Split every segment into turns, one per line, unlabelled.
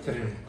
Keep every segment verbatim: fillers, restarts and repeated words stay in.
підтримку.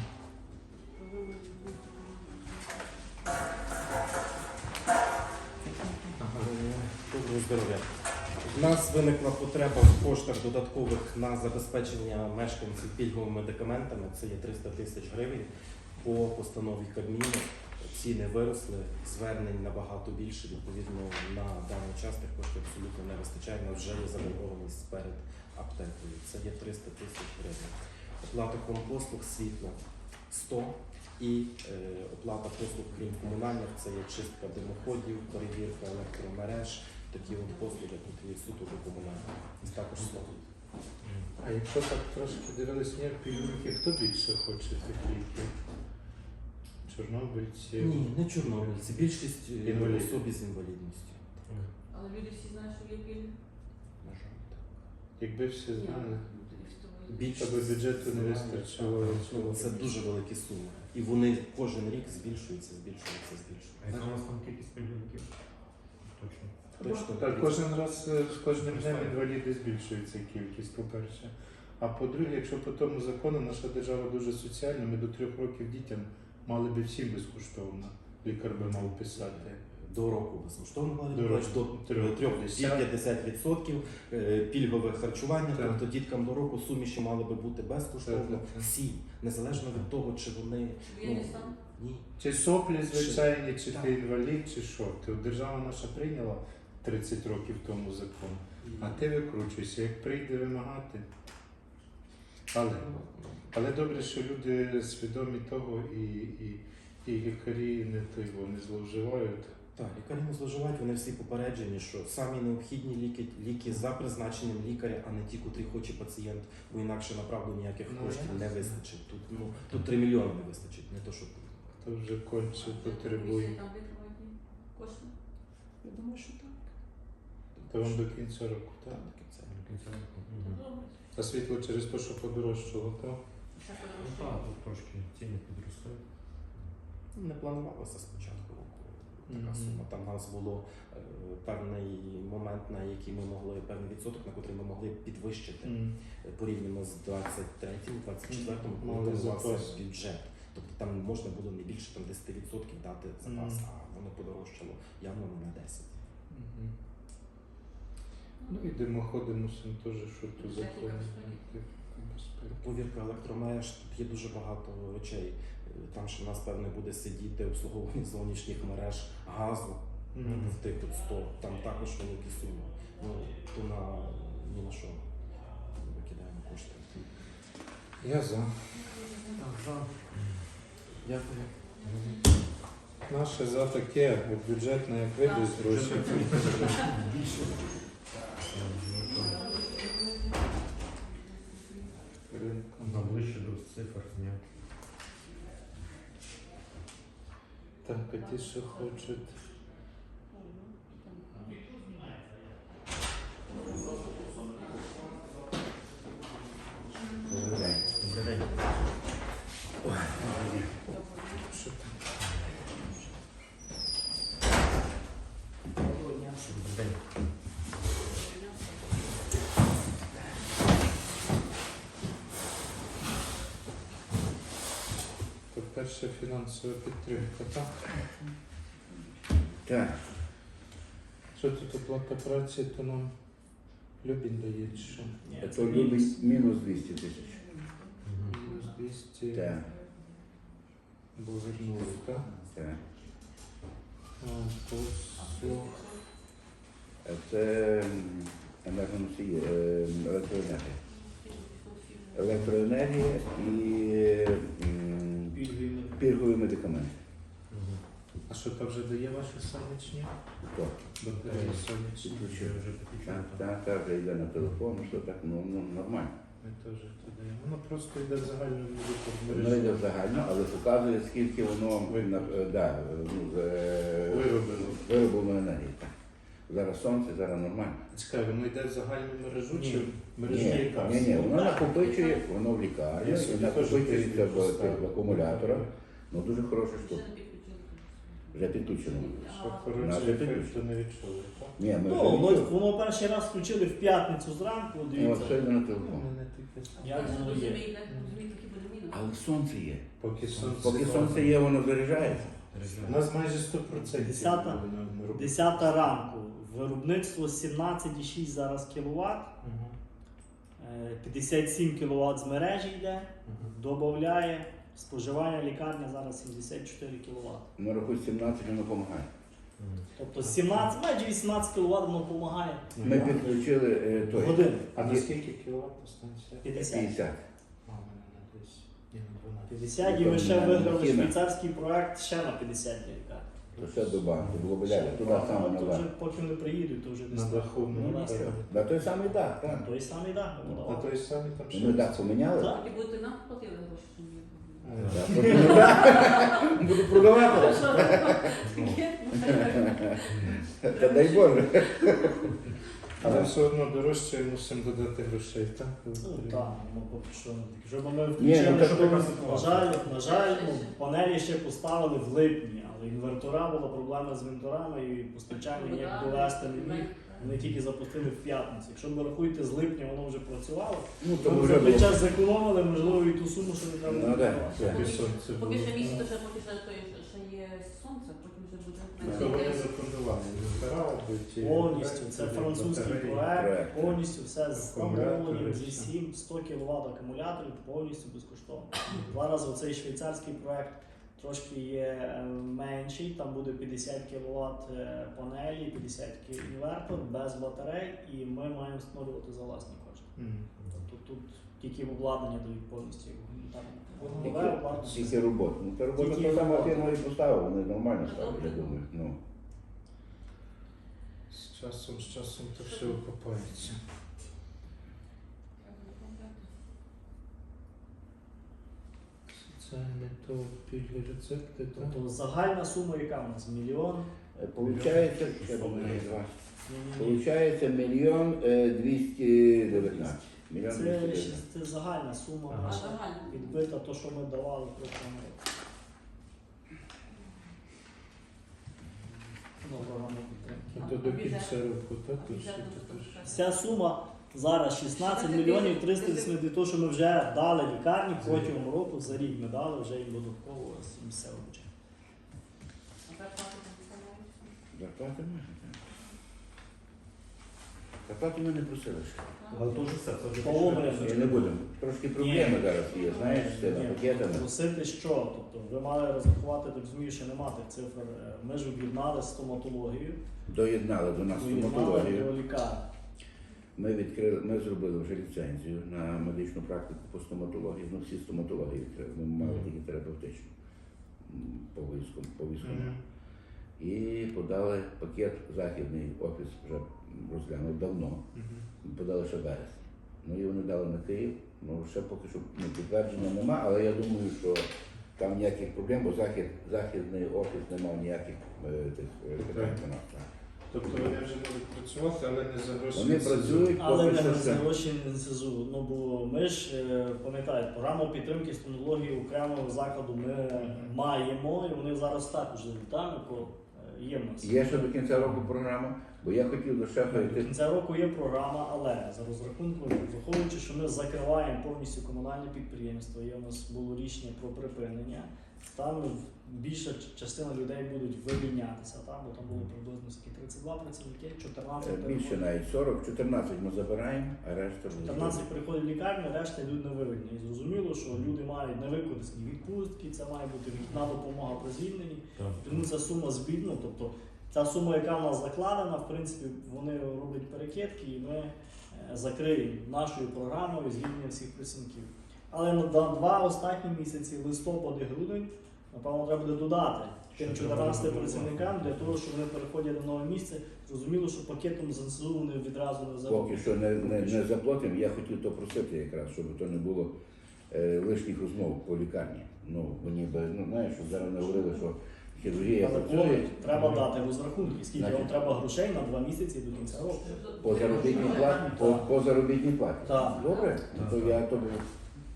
Доброго здоров'я. У нас виникла потреба в коштах додаткових на забезпечення мешканців пільговими медикаментами. Це є триста тисяч гривень по постанові Кабміну. Ціни виросли, звернень набагато більше. Відповідно, на даний час тих коштів абсолютно не вистачає. У нас вже є заборгованість перед аптекою. Це є триста тисяч гривень. Оплата компослуг світла сто. І е, оплата послуг, крім комунальних, це є чистка димоходів, перевірка електромереж, такі от послуги, які суто до комунальних. І також слово.
А якщо так трошки дивилися, ні, пільговики, хто більше хоче тих ліків? Чорнобильці?
Ні, не чорнобильці. Більшість е,
Інваліди.
особі з інвалідністю.
Але люди всі знають, що є пільги?
На жаль, так.
Якби всі знали,
Більшість
щоб бюджету не
знає,
вистачило.
так, так. Це дуже великі суми. І вони кожен рік збільшуються, збільшуються,
А
збільшуються.
яка у нас там кількість пільговиків? Точно.
Точно.
Так, кожен раз е, з кожним днем інваліди збільшується кількість, по-перше. А по-друге, якщо по тому закону наша держава дуже соціальна, ми до трьох років дітям мали би всім безкоштовно. Лікар би мав писати.
До року безкоштовно мали
До
бути,
року.
до
Трьох.
п'ятдесят відсотків пільгове харчування,
Так.
тобто діткам до року суміші мали би бути безкоштовно.
Так, так, так.
Всі, незалежно від того, чи вони
Воєнний стан?
ні.
Чи соплі звичайні, чи
Так.
ти інвалід, чи що. Ти, от держава наша прийняла тридцять років тому закон, а ти викручуйся, як прийде вимагати. Але, але добре, що люди свідомі того і, і, і лікарі не, той, вони зловживають.
Так, лікарі не зловживають, вони всі попереджені, що самі необхідні ліки, ліки за призначенням лікаря, а не ті, котрі хоче пацієнт, бо інакше направду ніяких
Ну,
коштів
ясно.
не вистачить. Тут, ну, тут три мільйони не вистачить, не то що тут.
Хто вже конче потребує.
Там витримають кошти?
Я думаю, що так.
То вам до кінця року,
Так,
так?
до кінця.
До кінця року. Мгм.
Добре.
А світло через те, що подорожчало, так?
Ще
Ну
подорожчає.
так, тут трошки ціни підростають.
Не планувалося спочатку року така
Мгм.
сума. Там у нас було е, певний момент, на який ми могли, певний відсоток, на котрий ми могли підвищити
М.
е, порівняно з двадцять третім, двадцять четвертим,
Мгм.
коли
Мали
планувався
запас.
бюджет. Тобто там можна було не більше там, десять відсотків дати запас,
Мгм.
а воно подорожчало явно не на десять.
Мгм. Ну і димоходи мусимо теж, що тут
Техніка
закони.
безпеки.
Безпеки.
Повірка електромереж, тут є дуже багато речей. Е, Там ще в нас, певне, буде сидіти обслуговування зовнішніх мереж, газу,
Мгм.
в тих от сто, там також великі суми. Ну, то на ні на що викидаємо кошти.
Я за.
Так, за.
Дякую.
Наше за таке, от бюджетне, як вийдуть гроші.
Більше.
Ринком.
Ближче до цифр, ні.
Так, а ті, що хочуть.
Добрий день. Добрий день.
Що там?
Добрий день.
То перша фінансова підтримка, так?
Так,
Що тут оплата праці, то нам Любін дає, чи що?
то любить мінус двісті тисяч.
Мгм.
Мінус двісті,
Так,
бо вернули, так?
так.
А, послуг.
Це м, енергоносії, е, електроенергія. Електроенергія і м, пільгові медикаменти.
Мгм.
А що то вже дає ваші сонячні?
То,
Батареї сонячні.
Ще вже підключено.
Так, так, так, вже йде на телефон, що так, ну, ну нормально.
Ми теж то даємо. Воно просто йде в загальну
Воно йде загально, але показує, скільки воно на, е, да, ну, е,
Виробило.
вироблено енергії. Так. Зараз сонце, зараз нормально.
Чекай, воно йде в загальну мережу
Ні.
чи в мережу
Ні,
лікарств?
ні, ні, воно накопичує, воно в
Я
лікарні, і
собі теж
накопичується
тиждень
в,
поставив.
в акумуляторах. Ну дуже хороша
Ще
штука.
не підключили.
Вже підключено.
Що
А,
хороше
Надо
ефекту
підключити.
не відчули, так?
Ні, ми
Ну,
вже
воно,
відчули.
воно перший раз включили в п'ятницю зранку,
Ну, от
дивіться.
сьогодні на телефон.
Як воно є?
Розумієте, розумієте, які буде мінус.
Але сонце є.
Поки сонце,
Поки сонце є, воно заряджається.
У нас майже сто відсотків.
Десята- Десята ранку. Виробництво сімнадцять цілих шість зараз кіловат, е, п'ятдесят сім кіловат з мережі йде, додає. Споживання лікарня зараз сімдесят чотири кіловат.
На рахуй сімнадцять воно допомагає.
Тобто сімнадцять, майже вісімнадцять кіловат воно допомагає
Ми підключили е,
в
той
годину.
А на скільки кіловат станція?
п'ятдесят.
п'ятдесят.
А, у мене на десь. Ні, на дванадцять.
п'ятдесят і ми ще
Тобто,
виграли
Кіна.
швейцарський проект ще на п'ятдесят для лікарні.
То ще до банку, було б далі, туди саме
Ну,
на
то вже
банк.
поки не приїдуть, то вже десь
На
так.
даху,
Ну,
ну,
нас
так.
так.
На той самий дах, так.
Той самий дах. ми
На
подавали.
той самий там ще.
Ми дах поміняли.
Так.
І будете нам платили гроші, що ми
Е,
Так, потім ми дах буду продавати. Та дай Боже.
Але все одно дорожче мусимо додати грошей, так?
Ну так, ну поки що не таке. Щоб ми
Ні,
включили,
ну, так
щоб
така
ми,
ситуація.
на жаль, на жаль, ну, панелі ще поставили в липні, але інвертора була проблема з інверторами і постачання ніяк довести не міг. Вони тільки запустили в п'ятницю. Якщо ви рахуєте, з липня воно вже працювало,
Ну,
то
то
ми
вже
за той
було.
час зекономили, можливо, і ту суму, що не треба
Ну,
було
да.
віддавати.
Поки сонце було.
Поки ще місяць, то ще поки ще той, ще є сонце, потім вже буде
Це вони
менше.
зафондували. Інвертора, будуть, і
Повністю, це
батареї,
французький
батареї.
проект,
Проект.
повністю все з
Акумулятори,
замовленням, зі
все.
всім, сто кіловат акумуляторів, повністю безкоштовно. Зараз оцей швейцарський проект трошки є е, менший, там буде п'ятдесят кіловат е, панелі, п'ятдесят кіловат інвертор без батарей, і ми маємо встановлювати за власні кошти.
Мгм.
Тобто тут тільки обладнання дають повністю. Там,
Тільки-
нове обладнання.
Тільки робота. Ну, та робота
Тільки
та сама
робота.
фірма і поставила, вони нормально ставлять, я думаю. Ну.
З часом, з часом то все окупається. Соціальне то пільги рецепти, так?
Тобто загальна сума, яка у нас? Мільйон?
Е, Получається, я думаю, два.
Ні-ні-ні.
Получається мільйон е, двісті дев'ятнадцять. Мільйон двісті
Це,
дев'ятнадцять.
ще- це загальна сума.
А
наша.
загально?
Відбита то, що ми давали в прошлому році. Ну, програму підтримки.
Ну, то до кінця року, так? То ще то ж.
Вся сума зараз шістнадцять мільйонів триста вісімдесят, то, що ми вже дали лікарні протягом року, за рік ми дали вже їм додатково місцевого бюджету.
А зарплату там вставляють?
Зарплати можна, так. Зарплату ми не просили ще.
Але то вже все, це вже
Поломаємо.
І не будемо. Трошки проблеми зараз є, знаєш, з тими
Ні,
пакетами.
Просити що? Тобто ви мали розрахувати, так розумію, що нема тих цифр. Е, Ми ж об'єднали стоматологію,
Доєднали до нас
доєднали
стоматологію.
до лікарні.
Ми відкрили, ми зробили вже ліцензію на медичну практику по стоматології. Ну, всі стоматології відкрили. Ми мали тільки терапевтичну м, по військовому. По військовому.
Мгм.
І подали пакет західний офіс вже розглянув давно.
Мгм.
Подали ще вересень. Ну і вони дали на Київ. Ну ще поки що ну, підтвердження нема, але я думаю, що там ніяких проблем, бо захід, західний офіс не мав ніяких е, тих е, питань до нас. так.
Тобто вони вже будуть працювати, але не за гроші.
Вони
СЗУ.
працюють
Але
поки
не
що
за
ще.
гроші не СЗУ. Ну бо ми ж е, пам'ятаєте, програму підтримки стоматології окремого закладу ми маємо, і вони зараз також там є в нас.
Є ще до кінця року програма, бо я хотів до шефа
До
йти.
кінця року є програма, але за розрахунком, враховуючи, що ми закриваємо повністю комунальне підприємство, є у нас було рішення про припинення. Там більша частина людей будуть вивільнятися, там, бо там було приблизно скільки, тридцять два працівники, чотирнадцять
Е, Більше
переходять.
навіть сорок, чотирнадцять ми забираємо, а решта вже
чотирнадцять приходить в лікарню, решта йдуть на виведення. І зрозуміло, що люди мають невикористані відпустки, це має бути вікна допомога при звільненні. Тому ця сума збідна, тобто ця сума, яка в нас закладена, в принципі, вони роблять перекидки і ми е, закриємо нашою програмою звільнення всіх працівників. Але на два два останні місяці, листопад і грудень, напевно, треба буде додати тим
Щоб
чотирнадцяти
вони
працівникам для того, щоб вони переходять на нове місце. Зрозуміло, що пакетом з ЗСУ вони відразу не
поки
зароблять.
що не, не, не заплатимо. Я хотів то просити якраз, щоб то не було е, лишніх розмов по лікарні. Ну, мені би, ну знаєш, щоб зараз не говорили, що хірургія
Але
працює
повністю треба дати розрахунки, скільки
Значить,
вам треба грошей на два місяці до кінця року.
по заробітній платі. По, по заробітній платі.
Так.
Добре? Ну, то я тобі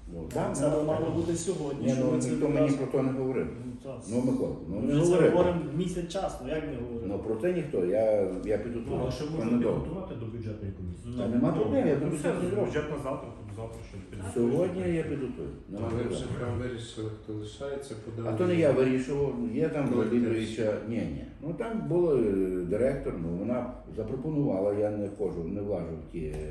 Ну, так,
Це
нема
мало
питань.
бути сьогодні.
Ні,
що
ну
ми це
ніхто мені
відразу-
про то не говорив.
Ну, так.
Ну, Микола, ну
Ми
не
вже це
говорив.
говоримо місяць часу, ну як не говоримо?
Ну про це ніхто, я, я
Ну,
підготував.
а що
Це
можна
недовго.
підготувати до бюджетної комісії?
Та нема проблем, я
Ну,
думаю,
все,
що це зроблю.
бюджет на завтра, то завтра щось підготуємо.
Сьогодні я підготую. Нема
Але
проблем.
вже там вирішили, хто лишається, подали.
А то не я вирішував, є там
Колектив.
Володимировича. Ні, ні. Ну там був е, директор, ну вона запропонувала, я не ходжу, не влажу в ті е,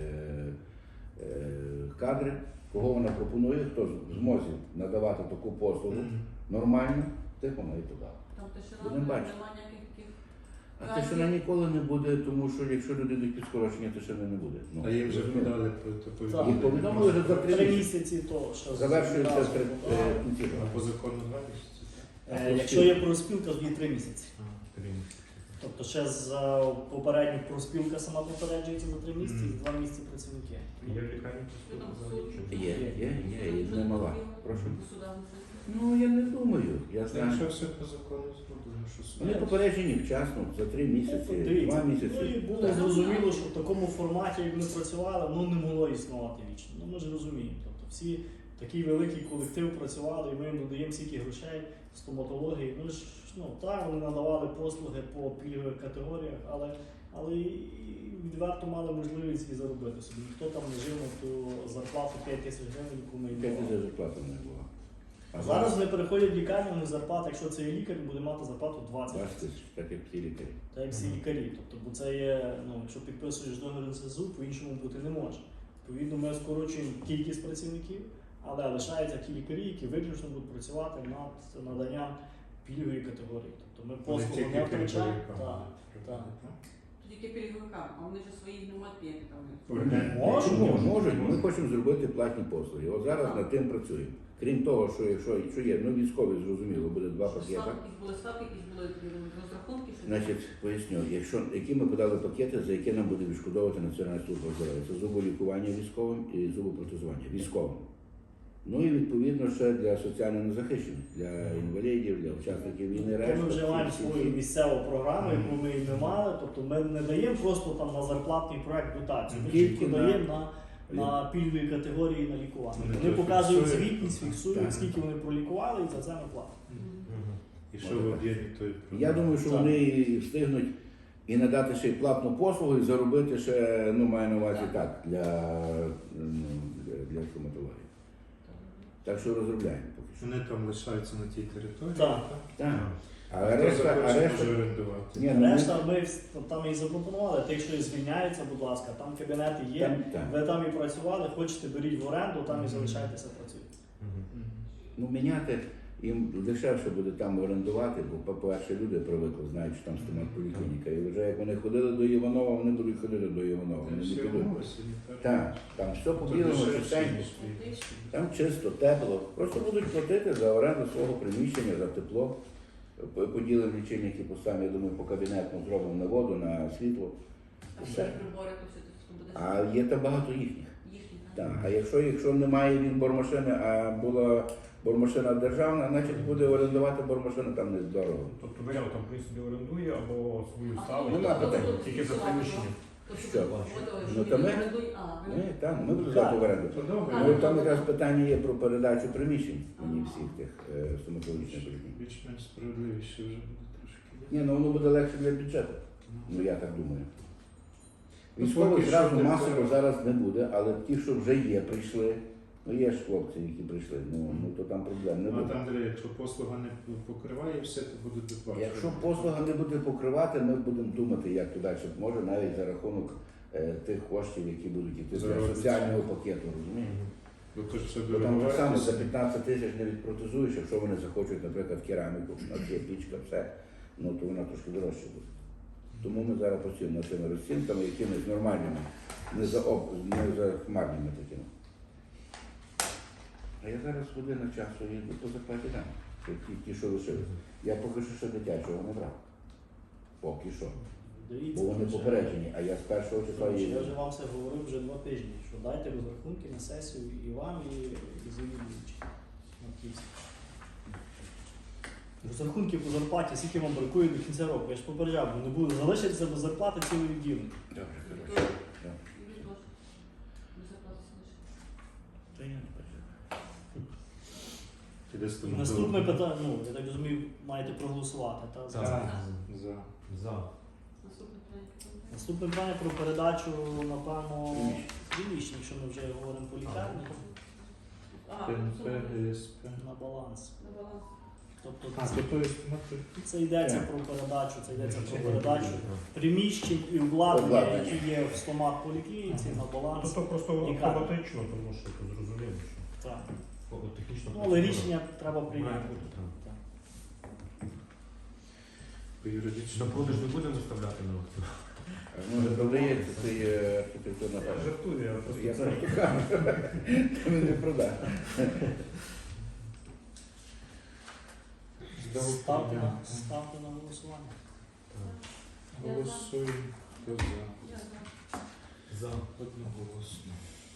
е, кадри, кого вона пропонує, хто в змозі надавати таку послугу
Мгм.
нормально, тих вона і подала.
Там тишина,
Будемо бачити.
немає ніяких таких.
А тишина ніколи не буде, тому що якщо люди йдуть під скорочення, тишини не буде. Ну,
А їм вже
розумієте?
подали по- то
Так.
повідомлення.
Їм повідомили вже за три
Три
місяці.
місяці то, що
Завершується
зразу
три
подали.
е, кінці.
А по закону два місяці.
Е, Якщо є проспілка, то є три місяці.
А, три місяці.
Тобто ще за попередню проспілка сама попереджується за три місяці,
Мгм.
і два місяці працівники.
Є в лікарні
Що там
послуги?
суд?
Чи-
Є, є, є, і не мала. Прошу.
До суда внесли.
Ну я не думаю. Я знаю.
Якщо все по закону зроблено, що суд.
Вони попереджені вчасно, за три місяці,
Ну, дивіться,
два
Ну і
місяці.
було зрозуміло, що в такому форматі, як ми працювали, ну не могло існувати вічно. Ну ми ж розуміємо. Тобто всі такий великий колектив працювали, і ми їм додаємо стільки грошей в стоматології. Ми ж ну так, вони надавали послуги по пільгових категоріях, але, але і відверто мали можливість і заробити собі. Ніхто там не жив на ту зарплату п'ять тисяч гривень, яку ми їм
П'ять
давали.
тисяч зарплати не було.
А зараз вони переходять в лікарню, вони зарплата, якщо це є лікар, буде мати зарплату двадцять
двадцять
тисяч.
тисяч, так як всі лікарі.
Так як всі лікарі. Тобто, бо це є, ну, якщо підписуєш договір з СЗУ, по-іншому бути не може. Відповідно, ми скорочуємо кількість працівників, але лишаються ті лікарі, які виключно будуть працювати над наданням пільгової категорії. Тобто ми
Не
послугу
тільки
не втрачаємо.
пільговикам.
Так, так.
Тільки пільговикам, а вони ж своїх не мають як там.
Орден.
Можуть,
Чому?
можуть.
Можуть. Ми хочемо зробити платні послуги. От зараз над тим працюємо. Крім того, що якщо що є, ну військові зрозуміло, буде два
Що
пакети.
ставки, якісь були ставки, якісь були розрахунки, що
Значить, поясню, якщо які ми подали пакети, за які нам буде відшкодовувати Національна служба здоров'я, це зуболікування військовим і зубопротезування військовим. Ну і відповідно ще для соціально незахищених, для інвалідів, для учасників війни.
То
решта,
ми вже маємо
всі- всі-
свою місцеву програму, яку ми і не мали. Тобто ми не даємо просто там на зарплатний проект дотацію. Ми
Тільки
тільки
на-
даємо на, на пільгові категорії на лікування.
Вони
Вони
то
показують
фіксують.
звітність, фіксують,
Так.
скільки вони пролікували, і за це ми платимо.
Мгм.
І що в об'ємі той
Я думаю, що
Так.
вони і встигнуть і надати ще й платну послугу, і заробити ще, ну маю на увазі так, для, ну, для, для стоматології. Так що розробляємо поки що.
Вони там лишаються на тій території.
Так.
Так. А
А хто
решта, а
захоче,
решта,
може орендувати.
ні, ну, ми-
Решта ми вс- там і запропонували, тих, що і звільняються, будь ласка, там кабінети є,
там, так.
ви там і працювали, хочете беріть в оренду, там і
Мгм.
залишайтеся працюйте.
Мгм.
Мгм.
Ну, міняти їм дешевше буде там орендувати, бо, по-перше, люди привикли, знають, що там стоматполіклініка. І вже як вони ходили до Іванова, вони будуть ходити до Іванова. Вони не
Всі
підуть.
умови санітарні.
Так, там все
Тут
по-білому,
дешевше,
чистенько.
ніж тут.
Там чисто, тепло. Просто будуть платити за оренду свого приміщення, за тепло. П- Поділимо лічильники по самі, я думаю, по кабінету зробимо на воду, на світло.
А
Все.
ще прибори, то все це буде
А є там багато їхніх.
їхні.
Так. А якщо, якщо немає він бормашини, а була бормашина державна, значить буде орендувати бормашину там не здорово.
Тобто варіант там при собі орендує або свою
А
ставить.
Нема питань.
Тільки за приміщення.
Що? Ну, то ми- Ні, там ми будемо здати в оренду.
То добре.
Ну, там якраз питання є про передачу приміщень мені всіх тих е, стоматологічних поліклінік.
Більш-менш справедливіше вже буде трошки.
Ні, ну воно буде легше для бюджету. Ну я так думаю.
Ну,
Військових
поки що
зразу
не
масово
треба.
зараз не буде, але ті, що вже є, прийшли. Ну є ж хлопці, які прийшли, ну, ну то там проблем не
Ну,
буде.
а там, Андрій, якщо послуга не покриває все, то буде доплачувати.
Якщо послуга не буде покривати, ми будемо думати, як то далі може, навіть за рахунок е, тих коштів, які будуть йти для
Заробити.
соціального пакету, розумієш?
Мгм.
Бо то ж все
Бо там так само за
дорогуватися.
п'ятнадцять тисяч не відпротезуєш, якщо вони захочуть, наприклад, кераміку, у нас є пічка, все, ну то вона трошки дорожче буде. Тому ми зараз працюємо над цими розцінками, якимись нормальними, не за об, не за хмарними такими. А я зараз година часу їду по зарплаті дам, ті, ті, що лишилися. Я поки що ще дитячого не брав. Поки що.
Дивіться,
Бо вони
вже-
попереджені, а я з першого числа
Коротше,
їду.
Я вже вам це говорив вже два тижні, що дайте розрахунки на сесію і вам, і, і завідувачі на Київській. Розрахунки по зарплаті, скільки вам бракує до кінця року. Я ж попереджав, бо не буде залишитися без зарплати цілий відділення.
Добре, хорошо. Та я не переживаю.
піде стоматолог.
Наступне питання, ну, я так розумію, маєте проголосувати. Та?
Так.
За.
За.
Наступне питання.
Наступне питання про передачу, напевно, приміщень, якщо ми вже говоримо по лікарні,
А,
ПНП,
сума
ГСП.
на баланс.
на баланс.
Тобто
А,
це,
то то є стоматолог.
це йдеться про передачу, це йдеться про передачу
Так.
приміщень і обладнання,
Обладнання.
які є в стомат поліклініці, на баланс.
Тобто просто
Лікарня.
автоматично, тому що це зрозуміло, що
Так.
о, технічно.
Ну, але рішення треба
має
прийняти.
бути, так.
Так.
По юридичному.
На продаж не будемо заставляти на аукціон.
Може, продається цей е, архітектурна
Я
пам'ять.
жартую, я просто
Я
це.
просто кажу, то він не продає.
Ставте на, ставте на голосування.
Так.
Голосуємо. Хто за?
Я за.
За.
Одноголосно.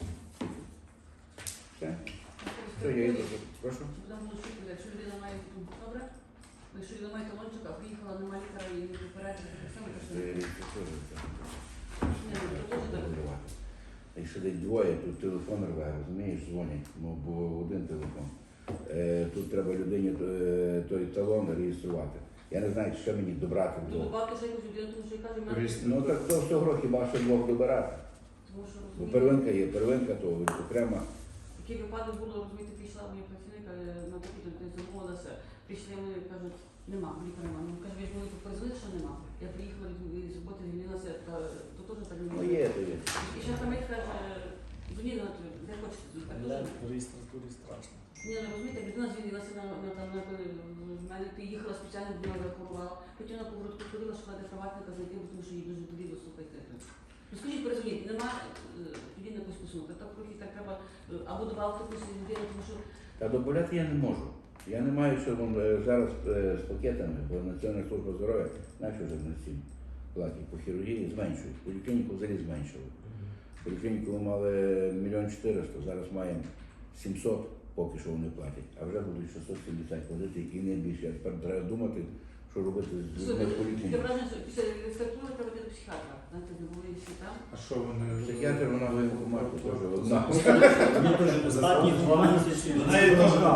Все. Все, я йду. Прошу.
Будемо голосувати, якщо людина має ну, добре, якщо людина має талончик, а приїхала, нема лікаря і не попередження, так само, то що
Це
ні,
річ, це теж так.
ну, то теж так.
Якщо десь двоє, тут телефон рве, розумієш, дзвонять, ну, бо один телефон. Е, тут треба людині е, той талон реєструвати. Я не знаю, що мені добрати
Ну,
двох.
добавте ще якусь людину, тому що я кажу, в мене,
Реєстр-
Ну так то всього хіба що двох добирати.
тому що
Бо
розумієте,
первинка є, первинка, то окрема.
такий випадок було, розумієте, прийшла моя працівника е, на допит, то замовилася, прийшли вони, кажуть, нема, лікаря нема. Ну, каже, ви ж мені тут позвонили, що нема. Я приїхала від- з роботи, звільнилася, та то теж так не
Ну
може.
є, то є.
І ще там каже, дзвоніть, на ту, де хочете, так
Для
теж.
реєстратури страшно.
Ні, ну розумієте, людина звільнилася на, на, там, на, в мене ти їхала спеціально, людина захворувала. Потім на поворотку ходила, шукати приватника знайти, бо тому що їй дуже боліло, слухайте. Ну скажіть, порозумієте, нема е, тоді на якусь посунути. Так трохи так треба е, або добавити якусь людину, тому що
Та добавляти я не можу. Я не маю, що вон, е, зараз е, з пакетами, бо Національна служба здоров'я, знаєш, вже на цим платі по хірургії зменшують. Поліклініку взагалі зменшили. Поліклініку ми мали мільйон чотириста, зараз маємо сімсот, поки що вони платять, а вже будуть шістсот сімдесят платити і не більше. А тепер треба думати, що робити з людьми в
таке
поліклініці.
враження, що після реєстратури треба йти до психіатра. Знаєте, не були всі там.
А що вони?
Психіатр, вона в воєнкоматі теж одна.
Останні два місяці.
Знає, то ж.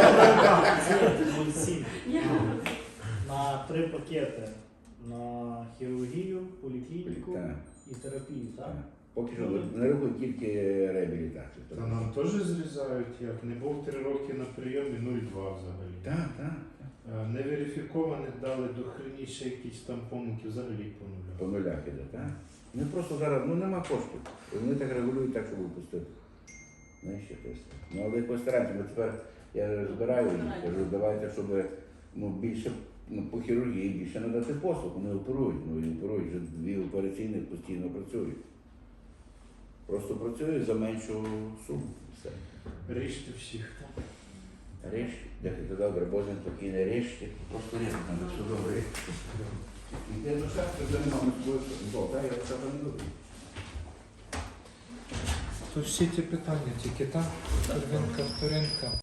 Сім.
Ні.
На три пакети. На хірургію, поліклініку
Так,
і терапію, так?
так. Поки що не рахують тільки реабілітацію.
Та нам теж зрізають, як не був три роки на прийомі, нуль цілих два взагалі.
Так, так.
Е, Неверифікованих дали до хреніше якісь там помилки, взагалі по нулю.
По нулях іде, так? Ну просто зараз ну нема коштів. І вони так регулюють так, щоб випустити. Знаєш, якось. Ну але якось стараємося. Ми тепер я збираю їх, кажу, давайте, щоб ну, більше ну, по хірургії більше надати послуг. Вони оперують. Ну і оперують вже дві операційних постійно працюють. Просто працюють за меншу суму. Все.
Ріжте всіх.
Ріж, дякую, добре, Боже, спокійно, ріжте. Просто ріжте, там все добре. Іде до шахти, вже нема, ми тобою, бо, так, я це не люблю.
То всі ті питання, тільки так, первинка, вторинка.